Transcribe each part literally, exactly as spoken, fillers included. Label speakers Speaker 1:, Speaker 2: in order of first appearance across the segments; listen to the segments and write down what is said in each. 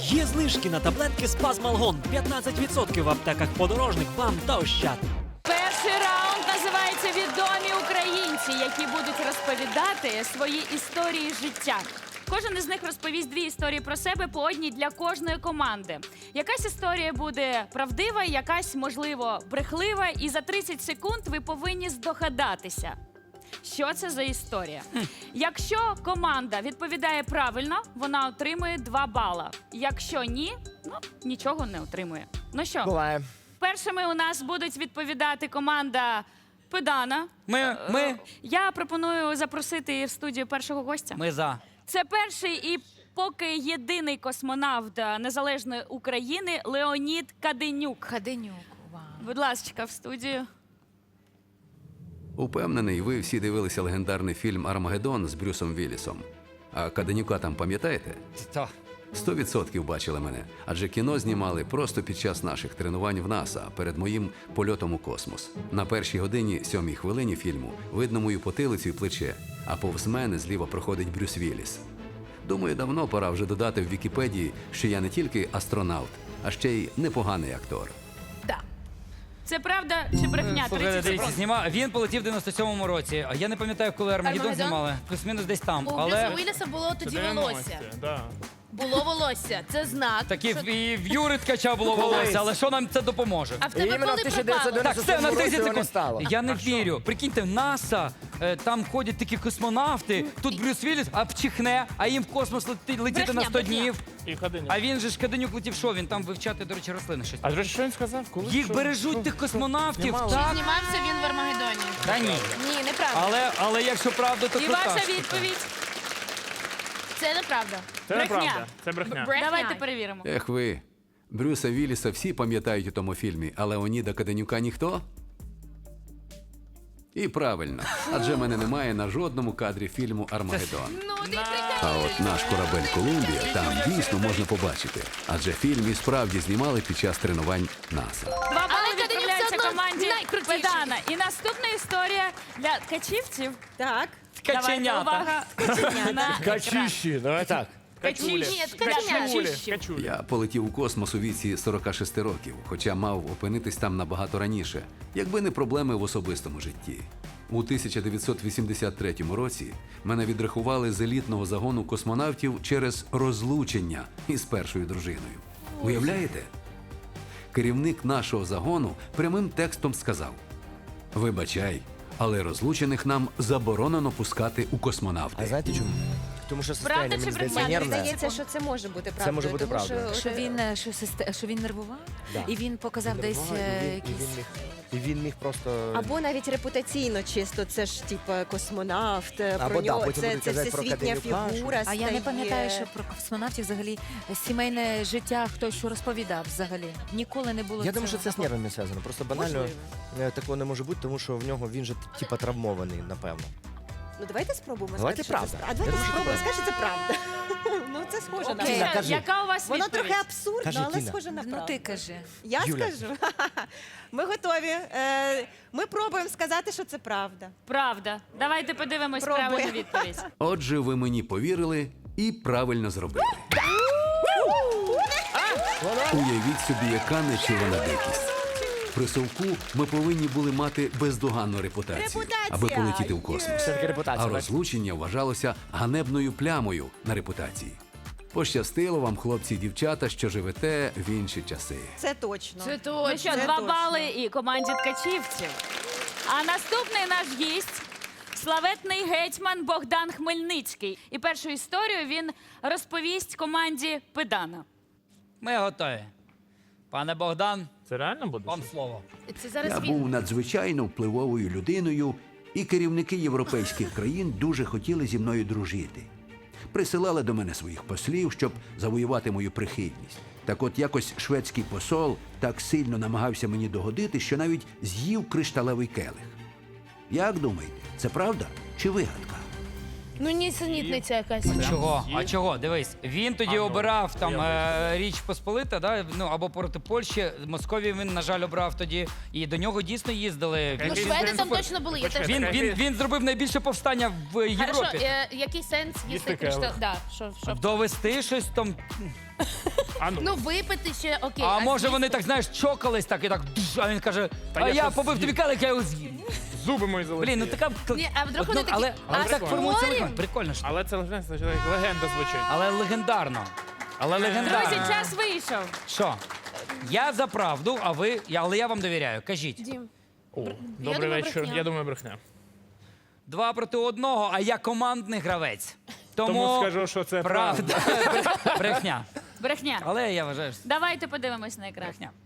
Speaker 1: Є знижки на таблетки Спазмалгон. п'ятнадцять відсотків в аптеках Подорожник, БАМ та Ощад.
Speaker 2: Перший раунд називається «Відомі українці», які будуть розповідати свої історії життя. Кожен із них розповість дві історії про себе, по одній для кожної команди. Якась історія буде правдива, якась, можливо, брехлива, і за тридцять секунд ви повинні здогадатися, що це за історія. Якщо команда відповідає правильно, вона отримує два бала. Якщо ні, ну, нічого не отримує. Ну що,
Speaker 3: Буває.
Speaker 2: першими у нас будуть відповідати команда Педана.
Speaker 4: Ми, ми,
Speaker 2: Я пропоную запросити в студію першого гостя.
Speaker 4: ми за.
Speaker 2: Це перший і поки єдиний космонавт Незалежної України Леонід Каденюк.
Speaker 5: Каденюк, вау.
Speaker 2: Будь ласка, в студію.
Speaker 6: Упевнений, ви всі дивилися легендарний фільм «Армагеддон» з Брюсом Віллісом. А Каденюка там пам'ятаєте?
Speaker 4: То.
Speaker 6: Сто відсотків бачили мене. Адже кіно знімали просто під час наших тренувань в НАСА перед моїм польотом у космос. На першій годині, сьомій хвилині фільму видно мою потилицю і плече, а повз мене зліва проходить Брюс Вілліс. Думаю, давно пора вже додати в Вікіпедії, що я не тільки астронавт, а ще й непоганий актор.
Speaker 2: Це правда чи брехня?
Speaker 4: Слухайте,
Speaker 2: тридцять
Speaker 4: дивіться,
Speaker 2: секунд.
Speaker 4: зніма... Він полетів в дев'яносто сьомому році. А я не пам'ятаю, коли Армагеддон
Speaker 5: Армагеддон?
Speaker 4: знімали. Плюс-мінус десь там.
Speaker 5: У Брюса
Speaker 4: Але
Speaker 5: Уілліса було тоді волосся.
Speaker 7: дев'яності, да.
Speaker 5: Було волосся. Це знак.
Speaker 4: такі
Speaker 5: що-
Speaker 4: і в Юри Ткача було волосся. Але що нам це допоможе?
Speaker 5: А в тебе
Speaker 3: Іменно в
Speaker 5: коли
Speaker 3: тисяча дев'ятсот
Speaker 5: пропало?
Speaker 4: Так, все, на
Speaker 3: році
Speaker 4: тридцять
Speaker 3: його не
Speaker 4: секунд.
Speaker 3: стало.
Speaker 4: Я не вірю. Прикиньте, в НАСА, е, там ходять такі космонавти, тут Брюс Вілліс, а вчихне, а їм в космос лети- летіти
Speaker 5: Брехня,
Speaker 4: на сто
Speaker 5: брехня.
Speaker 4: днів.
Speaker 7: І Каденюк.
Speaker 4: А він же ж Каденюк летів, що він там вивчати, до речі, рослини щось.
Speaker 7: А до речі, що він сказав? Коли?
Speaker 4: Їх
Speaker 7: Що?
Speaker 4: бережуть
Speaker 7: Що?
Speaker 4: тих космонавтів,
Speaker 7: Знімали?
Speaker 4: так.
Speaker 5: Знімався він в Армагеддоні.
Speaker 4: Та ні.
Speaker 5: Ні, неправда.
Speaker 4: Але, але якщо правда, то
Speaker 2: І
Speaker 4: крута
Speaker 2: ваша
Speaker 4: штука.
Speaker 2: відповідь.
Speaker 5: Це неправда.
Speaker 7: Це
Speaker 2: Брехня.
Speaker 7: неправда. Це брехня.
Speaker 5: Брехня.
Speaker 2: Давайте перевіримо.
Speaker 6: Ех ви, Брюса Вілліса всі пам'ятають у тому фільмі, а Леоніда Каденюка ніхто? І правильно, адже мене немає на жодному кадрі фільму «Армагеддон».
Speaker 5: Ну, ти
Speaker 6: А от наш корабель «Колумбія» там дійсно можна побачити, адже фільм і справді знімали під час тренувань НАСА.
Speaker 2: Два бали
Speaker 5: Каденюк
Speaker 2: відправляються
Speaker 5: все одно
Speaker 2: команді
Speaker 5: найкрутіший.
Speaker 2: Педана. І наступна історія для ткачівців.
Speaker 8: Так.
Speaker 2: Давайте,
Speaker 4: Каченята.
Speaker 2: увага. На екран.
Speaker 7: Качищі, давай так.
Speaker 2: Качулі.
Speaker 5: Ні,
Speaker 7: Качулі.
Speaker 2: Качулі.
Speaker 7: Качулі.
Speaker 6: Я полетів у космос у віці сорока шести років, хоча мав опинитись там набагато раніше, якби не проблеми в особистому житті. У тисяча дев'ятсот вісімдесят третьому році мене відрахували з елітного загону космонавтів через розлучення із першою дружиною. Уявляєте? Керівник нашого загону прямим текстом сказав: «Вибачай, але розлучених нам заборонено пускати у
Speaker 3: А
Speaker 6: космонавти».
Speaker 3: знаєте чому? Тому що
Speaker 2: Правда
Speaker 3: состояние,
Speaker 2: чи
Speaker 3: мені здається,
Speaker 2: брехня?
Speaker 8: Мені
Speaker 3: нервне.
Speaker 8: здається, що це може бути правдою.
Speaker 3: Це може бути
Speaker 8: тому
Speaker 3: правдою.
Speaker 5: Що він, е, що, систе- що він нервував?
Speaker 3: Да.
Speaker 5: І він показав десь
Speaker 3: Нервував,
Speaker 5: е,
Speaker 3: і він- і
Speaker 5: якісь...
Speaker 3: він міг- І він міг просто...
Speaker 8: Або навіть репутаційно чисто, це ж типа космонавт,
Speaker 3: Або
Speaker 8: про
Speaker 3: да,
Speaker 8: нього
Speaker 3: потім
Speaker 8: це,
Speaker 3: будуть
Speaker 8: це
Speaker 3: казати про
Speaker 8: всесвітня
Speaker 3: Каденюка,
Speaker 8: фігура.
Speaker 5: А я не
Speaker 8: стає.
Speaker 5: пам'ятаю, що про космонавтів взагалі сімейне життя хтось що розповідав взагалі. Ніколи не було
Speaker 3: Я думаю, що
Speaker 5: цього.
Speaker 3: це з нервами зв'язано. Просто банально
Speaker 8: Можливо.
Speaker 3: е, такого не може бути, тому що в нього він же типа травмований, напевно.
Speaker 8: Ну давайте спробуємо
Speaker 3: Давайте
Speaker 8: сказати, що це
Speaker 3: правда.
Speaker 8: А давайте
Speaker 3: Я думаю, що
Speaker 8: спробуємо, скажи, що це правда. Ну це схоже на
Speaker 2: Окей,
Speaker 3: Тіна, кажи.
Speaker 2: яка у вас
Speaker 8: Воно
Speaker 2: відповідь?
Speaker 8: трохи абсурдно,
Speaker 3: Кажи,
Speaker 8: але
Speaker 3: Тіна.
Speaker 8: схоже на правду.
Speaker 5: Ну ти кажи.
Speaker 8: Я
Speaker 3: Юля.
Speaker 8: скажу. Ми готові. Е, Ми пробуємо сказати, що це правда.
Speaker 2: Правда. Давайте подивимось
Speaker 8: Пробуй.
Speaker 2: правильну відповідь.
Speaker 6: Отже, ви мені повірили і правильно зробили. Уявіть собі, яка нечувана дикість. При совку ми повинні були мати бездоганну репутацію,
Speaker 8: Репутація!
Speaker 6: аби полетіти в космос.
Speaker 3: Все таки репутація.
Speaker 6: А
Speaker 3: так?
Speaker 6: розлучення вважалося ганебною плямою на репутації. Пощастило вам, хлопці і дівчата, що живете в інші часи.
Speaker 8: Це точно.
Speaker 5: Це
Speaker 2: Ну
Speaker 5: точно.
Speaker 2: що,
Speaker 8: Це
Speaker 2: два
Speaker 8: точно.
Speaker 2: бали і команді ткачівців. А наступний наш гість – славетний гетьман Богдан Хмельницький. І першу історію він розповість команді Педана.
Speaker 4: Ми готові. Пане Богдан,
Speaker 7: Це реально буде?
Speaker 4: вам слово.
Speaker 5: Це зараз
Speaker 9: Я
Speaker 5: він.
Speaker 9: був надзвичайно впливовою людиною, і керівники європейських країн дуже хотіли зі мною дружити. Присилали до мене своїх послів, щоб завоювати мою прихильність. Так от якось шведський посол так сильно намагався мені догодити, що навіть з'їв кришталевий келих. Як думаєте, це правда чи вигадка?
Speaker 5: Ну, нісенітниця якась.
Speaker 4: Чого?
Speaker 7: Є.
Speaker 4: А чого? Дивись, він тоді
Speaker 7: А, ну,
Speaker 4: обирав там
Speaker 7: я
Speaker 4: е, Річ Посполита, да? Ну або проти Польщі. Московію він, на жаль, обрав тоді. І до нього дійсно їздили.
Speaker 5: Ну,
Speaker 7: Який
Speaker 5: шведи
Speaker 7: сенс?
Speaker 5: там точно були. Я теж.
Speaker 4: Він, він, він зробив найбільше повстання в Європі.
Speaker 5: Хорошо, е, який сенс їсти
Speaker 7: Їсти
Speaker 5: криштал?
Speaker 7: келих.
Speaker 5: Да, що, що?
Speaker 4: Довести щось там.
Speaker 7: А ну.
Speaker 10: Ну, випити ще окей.
Speaker 4: А може вони
Speaker 10: з'їсти?
Speaker 4: так, знаєш, чокались так і так, «Дж», а він каже,
Speaker 7: Та
Speaker 4: а
Speaker 7: я
Speaker 4: я
Speaker 7: щось
Speaker 4: побив тобі
Speaker 7: з'їв.
Speaker 4: келих, я його з'їм.
Speaker 7: Зуби мої золоті.
Speaker 4: Блін, ну така...
Speaker 10: Ні, а вдруг
Speaker 4: Ну,
Speaker 10: вони такі,
Speaker 4: але, але
Speaker 10: а
Speaker 4: так формується
Speaker 10: спорим?
Speaker 4: легенда. Прикольно ж.
Speaker 7: Але це легенда, це як легенда звучить.
Speaker 4: Але легендарно. Але
Speaker 2: Друзі,
Speaker 4: легендарно.
Speaker 2: час вийшов.
Speaker 4: Що? Я за правду, а ви, я- але я вам довіряю. Кажіть.
Speaker 10: Дім.
Speaker 7: О, добрий
Speaker 10: думаю,
Speaker 7: вечір.
Speaker 10: брехня.
Speaker 7: Я думаю, брехня.
Speaker 4: Два проти одного, а я командний гравець. Тому,
Speaker 7: Тому скажу, що це
Speaker 4: правда. Брехня.
Speaker 2: Брехня.
Speaker 4: Але я вважаю, що це
Speaker 2: Давайте подивимось на екран.
Speaker 4: брехня.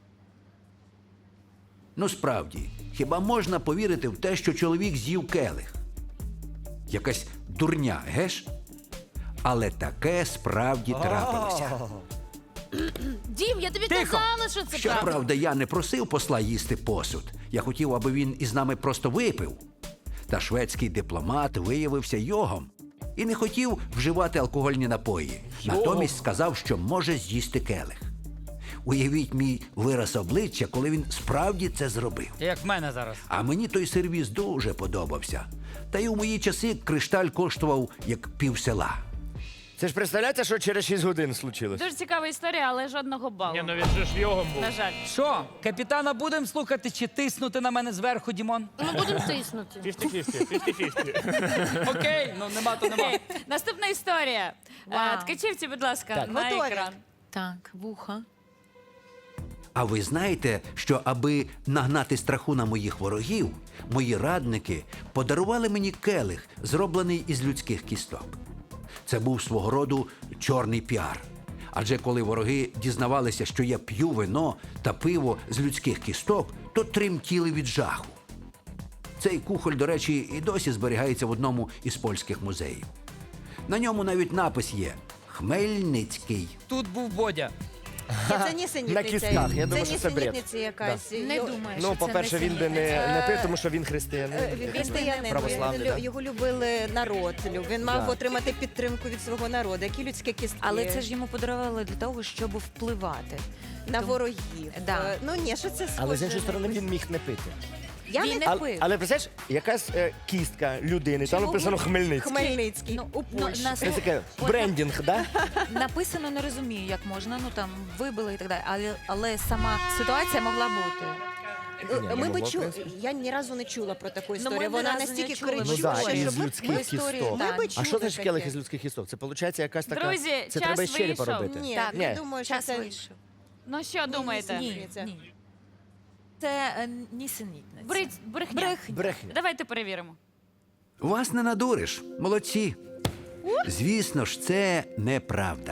Speaker 9: Ну справді, хіба можна повірити в те, що чоловік з'їв келих? Якась дурня, геш? Але таке справді трапилося.
Speaker 10: Дім, я тобі
Speaker 4: Тихо.
Speaker 10: казала, що це правда.
Speaker 9: Щоправда, я не просив посла їсти посуд. Я хотів, аби він із нами просто випив. Та шведський дипломат виявився йогом і не хотів вживати алкогольні напої. Натомість сказав, що може з'їсти келих. Уявіть мій вираз обличчя, коли він справді це зробив.
Speaker 4: Як в мене зараз.
Speaker 9: А мені той сервіс дуже подобався. Та й у мої часи кришталь коштував як пів села.
Speaker 3: Це ж представляєте, що через шість годин случилось?
Speaker 2: Дуже цікава історія, але жодного балу.
Speaker 7: Ні, ну він же ж йогом був.
Speaker 2: На жаль.
Speaker 4: Що, капітана будемо слухати чи тиснути на мене зверху, Дімон?
Speaker 10: Ми будемо тиснути.
Speaker 7: п'ятдесят на п'ятдесят.
Speaker 4: Окей, ну нема то нема.
Speaker 2: Окей. Наступна історія.
Speaker 5: Вау.
Speaker 2: Е, Ткачівці, будь ласка,
Speaker 8: Так,
Speaker 2: на
Speaker 8: готові?
Speaker 2: екран.
Speaker 5: Так, вуха.
Speaker 9: А ви знаєте, що аби нагнати страху на моїх ворогів, мої радники подарували мені келих, зроблений із людських кісток. Це був свого роду чорний піар. Адже коли вороги дізнавалися, що я п'ю вино та пиво з людських кісток, то тремтіли від жаху. Цей кухоль, до речі, і досі зберігається в одному із польських музеїв. На ньому навіть напис є «Хмельницький».
Speaker 4: Тут був Бодя.
Speaker 8: Ні, це нісенітниця.
Speaker 3: На кістках, я думаю, що це бред.
Speaker 8: нісенітниця якась.
Speaker 10: Не
Speaker 8: Йо-
Speaker 10: думаю,
Speaker 3: Ну,
Speaker 10: що
Speaker 3: по-перше,
Speaker 10: це
Speaker 3: він би не, не пив, тому що він
Speaker 8: Е,
Speaker 3: християнин.
Speaker 8: Він християнин,
Speaker 3: Православний,
Speaker 8: він-
Speaker 3: да.
Speaker 8: його любили народ. люб- Він мав
Speaker 3: Да.
Speaker 8: отримати підтримку від свого народу. Які людські кістки
Speaker 5: Але це ж йому подарували для того, щоб впливати.
Speaker 8: на
Speaker 5: Тому-
Speaker 8: ворогів.
Speaker 5: Да.
Speaker 8: Е, Ну ні, що це схоже?
Speaker 3: Але з іншої
Speaker 8: на
Speaker 3: сторони
Speaker 8: якусь-
Speaker 3: він міг не пити.
Speaker 8: Я
Speaker 5: Він
Speaker 8: не
Speaker 5: не
Speaker 3: Але,
Speaker 5: пив.
Speaker 3: але представляєш, якась е, кістка людини, там
Speaker 5: Чому
Speaker 3: написано
Speaker 5: ви-
Speaker 3: Хмельницький.
Speaker 8: Хмельницький.
Speaker 5: Ну,
Speaker 8: у
Speaker 5: ну,
Speaker 8: Польщі.
Speaker 5: на
Speaker 3: Це таке брендінг, да?
Speaker 5: Написано, не розумію, як можна, ну там вибили і так далі. Але, але сама ситуація могла бути.
Speaker 8: Е,
Speaker 3: Ні,
Speaker 8: Ми
Speaker 3: ну,
Speaker 8: би
Speaker 3: в
Speaker 8: чули.
Speaker 3: принципі.
Speaker 8: Я ні разу не чула про таку
Speaker 5: Ну,
Speaker 8: історію.
Speaker 5: ми ні
Speaker 8: Вона
Speaker 5: разу не
Speaker 8: настільки
Speaker 5: чули.
Speaker 8: кричуща,
Speaker 3: Ну, да, із
Speaker 8: щоб ми,
Speaker 3: людських
Speaker 8: ми,
Speaker 3: кісток.
Speaker 8: ми би
Speaker 3: А
Speaker 8: чули
Speaker 3: що значить келих
Speaker 8: таке.
Speaker 3: із людських кісток? Це виходить якась така.
Speaker 2: Друзі,
Speaker 3: це
Speaker 2: час
Speaker 3: треба із черепа
Speaker 2: вийшов.
Speaker 3: робити.
Speaker 8: Ні,
Speaker 5: Так,
Speaker 8: я
Speaker 3: Ні.
Speaker 8: думаю, що
Speaker 5: Час
Speaker 8: це...
Speaker 5: вийшов.
Speaker 2: Ну що думаєте?
Speaker 8: Ні. Це-
Speaker 5: Ні. Це е, нісенітниця.
Speaker 2: Брить, брехня.
Speaker 5: Брехня.
Speaker 3: Брехня.
Speaker 2: Давайте перевіримо.
Speaker 9: Вас не надуриш, молодці. Звісно ж, це неправда.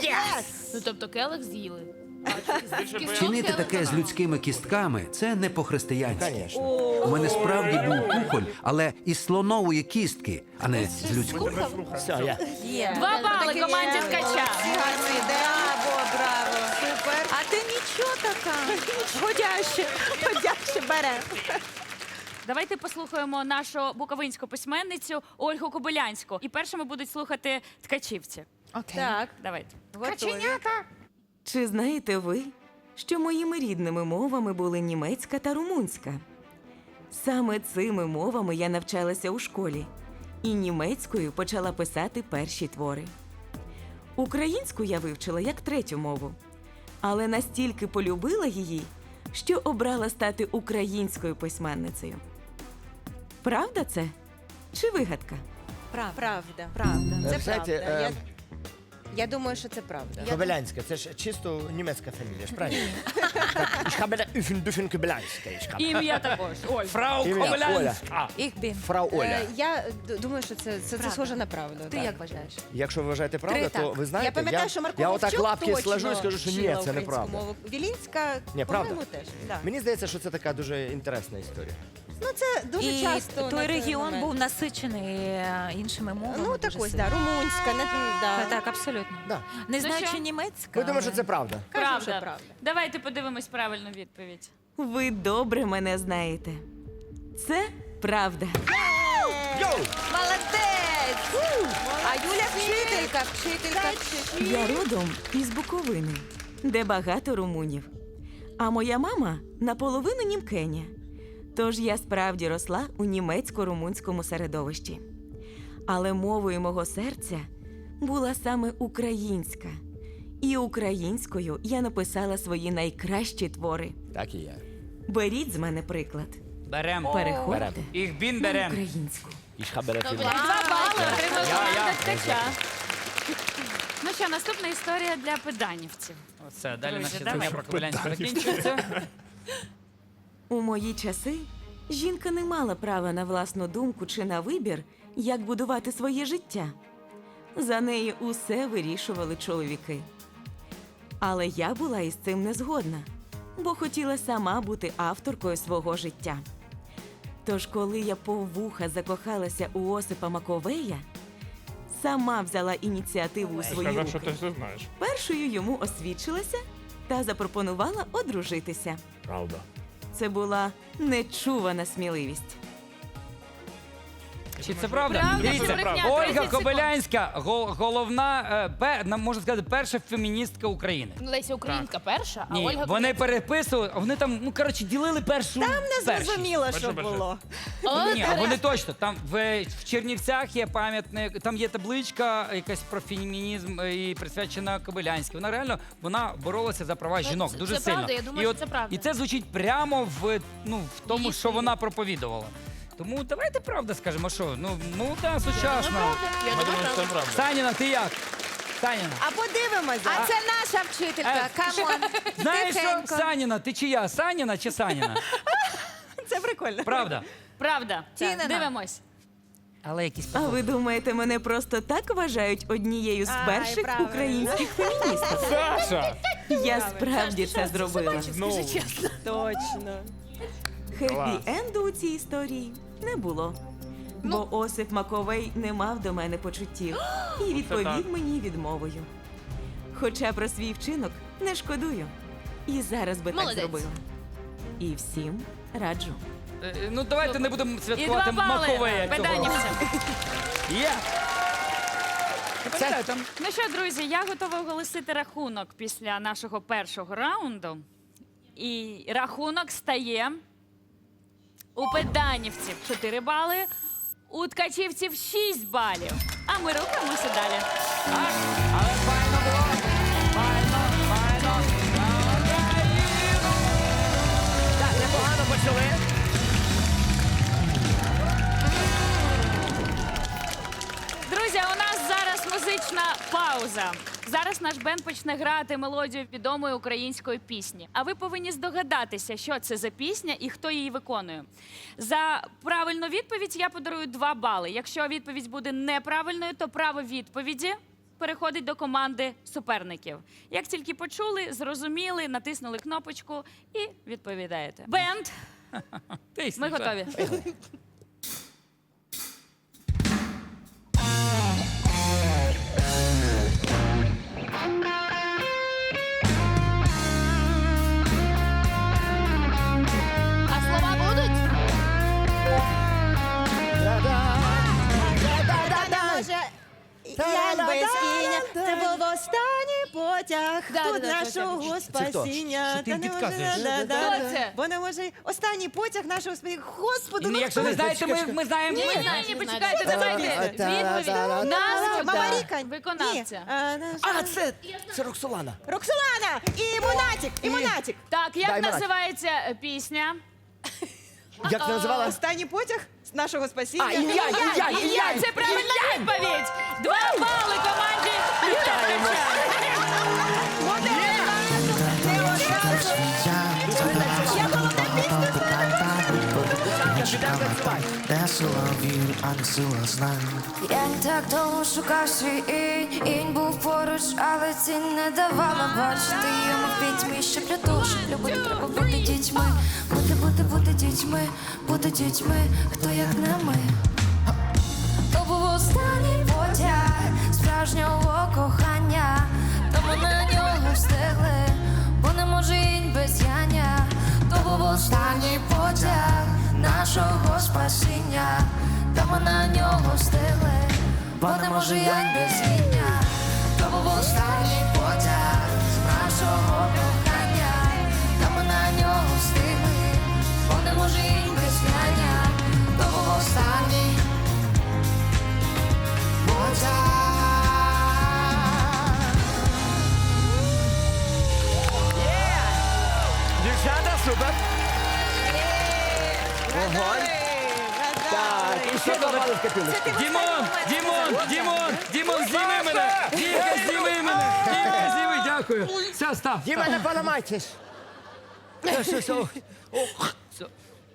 Speaker 10: Ну, тобто келих з'їли.
Speaker 9: Чинити таке з людськими кістками – це не по-християнськи.
Speaker 3: Звісно.
Speaker 9: У мене справді був кухоль, але із слонової кістки, а не з людської.
Speaker 3: Все, я.
Speaker 5: Є.
Speaker 2: Два бали команді ткача.
Speaker 8: Гарно йде. Браво, браво. Супер.
Speaker 5: А ти нічого така.
Speaker 8: Годяще. Годяще бере.
Speaker 2: Давайте послухаємо нашу буковинську письменницю Ольгу Кобилянську. І першими будуть слухати ткачівці.
Speaker 5: Окей.
Speaker 8: Так,
Speaker 2: Давайте.
Speaker 8: готові.
Speaker 11: Чи знаєте ви, що моїми рідними мовами були німецька та румунська? Саме цими мовами я навчалася у школі, і німецькою почала писати перші твори. Українську я вивчила як третю мову, але настільки полюбила її, що обрала стати українською письменницею. Правда це? Чи вигадка?
Speaker 5: Правда.
Speaker 8: Правда.
Speaker 5: Правда.
Speaker 8: Це
Speaker 3: Ви знаєте,
Speaker 8: правда. Я,
Speaker 3: е,
Speaker 8: я думаю, що це правда.
Speaker 3: Кобилянська, це ж чисто німецька фамілія, ж правильно? Так, Ich habe Üfen, Düfen, Kobylянська, ich habe.
Speaker 2: Ім'я також. Оль.
Speaker 4: Фрау
Speaker 3: Ім'я Оля.
Speaker 4: Кобилянська.
Speaker 5: Їх бін.
Speaker 3: Фрау Оля.
Speaker 8: Е, Я д- думаю, що це, це, це
Speaker 5: Правда.
Speaker 8: схоже на правду.
Speaker 5: Ти
Speaker 8: так.
Speaker 5: як вважаєш?
Speaker 3: Якщо ви вважаєте правда,
Speaker 5: Три
Speaker 3: то
Speaker 5: так.
Speaker 3: ви знаєте,
Speaker 8: Я пам'ятаю, що Марко
Speaker 3: я отак
Speaker 8: Вовчук
Speaker 3: лапки
Speaker 8: точно
Speaker 3: сложу і скажу, що ні,
Speaker 8: вчила
Speaker 3: це
Speaker 8: українську
Speaker 3: неправда.
Speaker 8: мову. Вілінська,
Speaker 3: Ні, правда.
Speaker 8: по-моєму, теж. Да.
Speaker 3: Мені здається, що це така дуже інтересна історія.
Speaker 8: Ну, це дуже
Speaker 5: І
Speaker 8: часто. на
Speaker 5: той
Speaker 8: той
Speaker 5: регіон
Speaker 8: момент.
Speaker 5: був насичений е, іншими мовами.
Speaker 8: Ну, так
Speaker 5: дуже
Speaker 8: ось,
Speaker 5: сильно.
Speaker 8: да, румунська, не, да.
Speaker 5: Так, так, абсолютно.
Speaker 3: Да.
Speaker 5: Не
Speaker 2: Ну
Speaker 5: знаю,
Speaker 2: що?
Speaker 5: чи німецька.
Speaker 3: Ми думаємо, що
Speaker 5: але-
Speaker 3: це правда.
Speaker 8: Кажемо, що
Speaker 2: Правда.
Speaker 8: правда.
Speaker 2: Давайте подивимось правильну відповідь.
Speaker 11: Ви добре мене знаєте. Це правда.
Speaker 8: Молодець! А Юля вчителька, вчителька, вчителька.
Speaker 11: Я родом із Буковини, де багато румунів. А моя мама наполовину німкеня. Тож я справді росла у німецько-румунському середовищі. Але мовою мого серця була саме українська. І українською я написала свої найкращі твори.
Speaker 3: Так і є.
Speaker 11: Беріть з мене приклад.
Speaker 4: Берем.
Speaker 11: Переходьте
Speaker 4: Їх бін
Speaker 11: на
Speaker 4: берем.
Speaker 11: українську.
Speaker 3: Ich habe dafür.
Speaker 2: Два бали отримав
Speaker 4: Я, я.
Speaker 2: команда ткача. Ну що, наступна історія для педанівців.
Speaker 4: Оце, далі
Speaker 2: Друзі,
Speaker 4: наші
Speaker 2: давай.
Speaker 4: знання про Кобилянську закінчуються.
Speaker 11: У мої часи жінка не мала права на власну думку чи на вибір, як будувати своє життя. За неї усе вирішували чоловіки. Але я була із цим не згодна, бо хотіла сама бути авторкою свого життя. Тож, коли я по вуха закохалася у Осипа Маковея, сама взяла ініціативу у свої
Speaker 7: Сказав, що
Speaker 11: руки.
Speaker 7: ти все знаєш.
Speaker 11: Першою йому освідчилася та запропонувала одружитися.
Speaker 7: Правда.
Speaker 11: Це була нечувана сміливість.
Speaker 4: Чи це правда?
Speaker 2: Правда,
Speaker 4: Дивіться,
Speaker 2: це брехня,
Speaker 4: Ольга
Speaker 2: тридцять секунд.
Speaker 4: Кобилянська, гол- головна, е, пе- нам можна сказати, перша феміністка України.
Speaker 10: Леся Українка перша, а
Speaker 4: Ні,
Speaker 10: Ольга
Speaker 4: вони переписували, вони там, ну коротше, ділили першу.
Speaker 8: Там не
Speaker 4: першість.
Speaker 8: зрозуміло, що
Speaker 7: Бачу, бачу.
Speaker 8: було.
Speaker 10: О,
Speaker 4: Ні, а вони точно. Там в, в Чернівцях є пам'ятник, там є табличка якась про фемінізм е, і присвячена Кобилянській. Вона реально вона боролася за права жінок
Speaker 10: це-
Speaker 4: дуже
Speaker 10: це
Speaker 4: сильно.
Speaker 10: правда, я думаю,
Speaker 4: і
Speaker 10: що
Speaker 4: от,
Speaker 10: це правда.
Speaker 4: І це звучить прямо в, ну, в тому,
Speaker 10: Її
Speaker 4: що
Speaker 10: стилі.
Speaker 4: вона проповідувала. Тому давайте правда скажемо, що ну молода, сучасна.
Speaker 10: Я
Speaker 7: Ми
Speaker 10: думаю,
Speaker 7: думаємо, що це правда.
Speaker 4: Саніна, ти як? Саніна.
Speaker 8: А подивимося.
Speaker 5: А це наша вчителька.
Speaker 4: Е,
Speaker 5: Камон.
Speaker 4: Знаєш що,
Speaker 5: Тихенько.
Speaker 4: Саніна, ти чия? Саніна чи Саніна?
Speaker 8: Це прикольно.
Speaker 4: Правда.
Speaker 2: Правда.
Speaker 5: Тінина.
Speaker 2: Так, дивимось.
Speaker 4: Але якісь
Speaker 11: А ви думаєте, мене просто так вважають однією з
Speaker 8: Ай,
Speaker 11: перших
Speaker 8: правильно.
Speaker 11: українських феміністок?
Speaker 7: Саша!
Speaker 11: Я справді це зробила.
Speaker 7: Ну,
Speaker 8: Точно.
Speaker 11: Хеппі-енду у цій історії не було. Бо Осип Маковей не мав до мене почуттів і
Speaker 7: так.
Speaker 11: відповів мені відмовою. Хоча про свій вчинок не шкодую. І зараз би так
Speaker 10: Молодець.
Speaker 11: зробила. І всім раджу.
Speaker 4: Е, Ну давайте не будемо
Speaker 2: І
Speaker 4: святкувати
Speaker 2: два бали
Speaker 4: Маковея цього.
Speaker 2: педанівцям.
Speaker 4: Є. Це там.
Speaker 2: Ну що, друзі, я готова оголосити рахунок після нашого першого раунду. І рахунок стає у педанівців чотири бали, у ткачівців шість балів. А ми рухаємося далі.
Speaker 4: Так, але файно було. Файно, файно. На Україну!
Speaker 3: Так, непогано почали.
Speaker 2: Друзі, у нас зараз музична пауза. Зараз наш бенд почне грати мелодію відомої української пісні. А ви повинні здогадатися, що це за пісня і хто її виконує. За правильну відповідь я подарую два бали. Якщо відповідь буде неправильною, то право відповіді переходить до команди суперників. Як тільки почули, зрозуміли, натиснули кнопочку і відповідаєте. Бенд,
Speaker 4: Тисни,
Speaker 2: ми готові.
Speaker 10: А слова будуть?
Speaker 8: Може, Ян без кіння, це був останній потяг
Speaker 10: Да,
Speaker 8: тут
Speaker 10: да, да,
Speaker 8: нашого
Speaker 3: Це хто?
Speaker 8: спасіння.
Speaker 4: Що ти їм
Speaker 8: Та не може-
Speaker 4: підказуєш?
Speaker 8: да, да,
Speaker 10: Хто
Speaker 8: да.
Speaker 10: це?
Speaker 8: Бо не може останній потяг нашого спасіння. Господи, ну
Speaker 4: Якщо
Speaker 8: хто
Speaker 4: не
Speaker 8: це?
Speaker 4: знаєте, ми, ми знаємо.
Speaker 2: Ні,
Speaker 10: Ні,
Speaker 2: ні,
Speaker 10: знаєте,
Speaker 2: ні, почекайте,
Speaker 10: знаєте.
Speaker 2: давайте. Відповідь.
Speaker 8: А,
Speaker 2: Назва
Speaker 8: Мама Ріка.
Speaker 2: виконавця.
Speaker 8: Ні, а, наш-
Speaker 3: А, це, це Роксолана.
Speaker 8: Роксолана! І Монатік! І Монатік!
Speaker 2: Так, як
Speaker 3: Дай, Марат.
Speaker 2: називається е, пісня?
Speaker 3: Як ти називала?
Speaker 8: Останній потяг з нашого спасіння.
Speaker 3: А, Ілля, Ілля,
Speaker 2: Ілля,
Speaker 3: Ілля.
Speaker 2: це правильна відповідь. Два бали команді. Вітаємо.
Speaker 12: Я не так довго шукав свій інь, інь був поруч, але цінь не давала бачити йому в пітьмі, щоб для того, щоб любити, треба бути дітьми, бути, бути, бути дітьми, бути дітьми, хто як не ми. То був останній потяг справжнього кохання, тому на нього встигли, бо не може інь без яння. То був останній потяг нашого спасіння, тому на нього встигли, бо не може янь без яння. То був останній потяг нашого кохання, тому на нього встигли, бо не може інь без яння. То був останній потяг.
Speaker 3: Огонь. Так, і ще два бали в копілочку.
Speaker 4: Дімон, Дімон, Дімон, Дімон, зніми мене! Дімка, зніми мене! Дімка, зніми, дякую. Все, став.
Speaker 3: Діма, не поламайтесь. Що, що, що?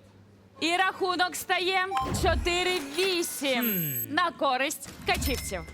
Speaker 2: І рахунок стає чотири вісім на користь ткачівців.